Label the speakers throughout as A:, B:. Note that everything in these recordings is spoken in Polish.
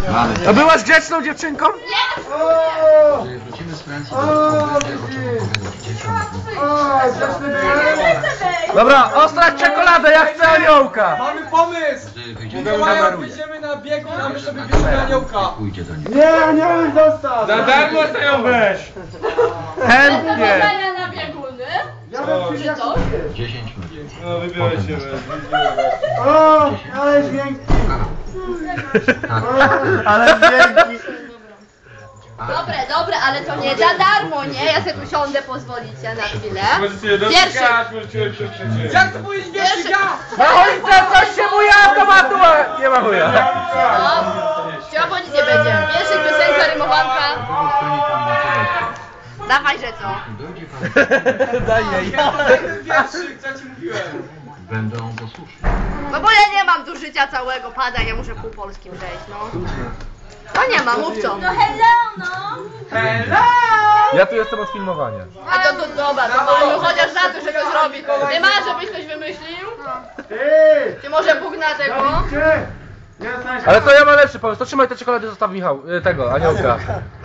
A: A byłaś grzeczną dziewczynką?
B: Jeżeli wrócimy z Francji, to będzie o czym opowiadać dzieciom.
A: Dobra, ostrać czekoladę, ja chcę aniołka!
C: Mamy pomysł!
B: Gdy wyjdziemy
C: Mikołaja pójdziemy na biegun, a my sobie bierzemy aniołka.
B: pójdzie do niego.
D: Nie, aniołek zostaw!
E: Za darmo sobie ją weź!
A: Chętnie!
F: na bieguny?
D: Ja bym
F: Czy co?
B: 10 minut.
E: No wybieraj się,
D: O, ale dźwięki! Ale dźwięki!
F: Dobre, ale to nie za darmo, nie? Ja sobie usiądę, pozwolicie na chwilę.
E: Możecie dotykać, możecie się przecież.
C: Jak to powiedzieć wiesz, ja?
A: Na choince coś się buja automatu! Nie ma chuja!
F: Chciałam, bo nic nie będzie. Pierwszy piosenka, rymowanka.
B: Stronie tam na telefon.
F: Dawaj, że co?
B: Dojdzie pan,
A: Daj jej.
C: Ten wierszyk, co ci mówiłem?
B: będą posłuszni.
F: No bo ja nie mam tu życia całego, pada, ja muszę pół polskim przejść, no. No nie ma, mówco. No
C: Hello!
A: Ja tu jestem od filmowania.
F: A to dobra, to mamy chociaż na to, że to zrobi. Ty masz, żebyś coś wymyślił?
D: Ty!
F: Czy może Bóg na tego?
D: Gdzie? Jesteś?
A: Ale to ja mam lepszy pomysł, to trzymaj te czekolady, zostaw Michał, tego, aniołka.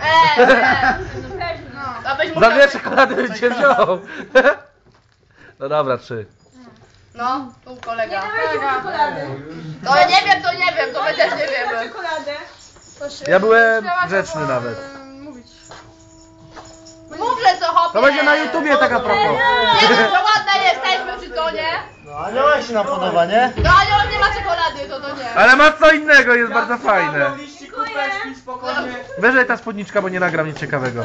F: To byś
A: Za
F: musiał...
A: dwie czekolady bym cię wziął. No dobra, 3.
F: No, tu kolega. To ja nie wiem, to my też nie wiemy.
A: Ja byłem grzeczny nawet.
F: Mów, że co hopie.
A: To będzie na YouTubie taka propos.
F: Nie wiem, że ładne jesteśmy, czy to nie?
D: No aniołek się nam podoba, nie?
F: No ale nie ma czekolady, to nie.
A: Ale ma co innego, jest bardzo fajne.
C: Liści, kupeczki, spokojnie.
A: Wyżej ta spódniczka, bo nie nagram nic ciekawego.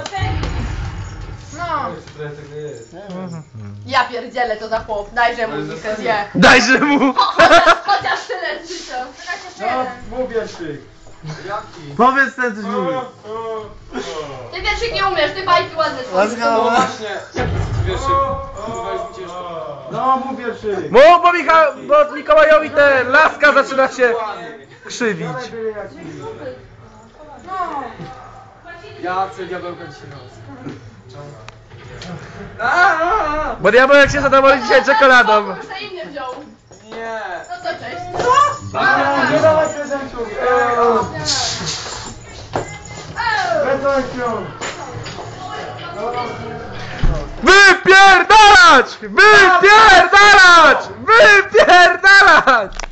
F: Ja pierdzielę, to za chłop. Dajże mu muzykę, zje.
A: Dajże mu!
F: Chociaż tyle z życia.
D: No, mów wierszyk. Powiedz ten coś mówi.
F: Ty wierszyk nie umiesz, ty bajki ładne są.
C: No właśnie, wierszyk. Kurwa, jest mi ciężko.
D: No, mów wierszyk.
A: Mów, bo Mikołajowi te laska zaczyna się krzywić.
C: Ja chcę diabełka dzisiaj noc.
A: Bo diabełek się zadowoli dzisiaj czekoladą.
F: Kto inny wziął?
C: Nie.
F: No to cześć.
D: Nie dawaj prezentów. Prezentów.
A: Wypierdalać! Wypierdalać! Wypierdalać!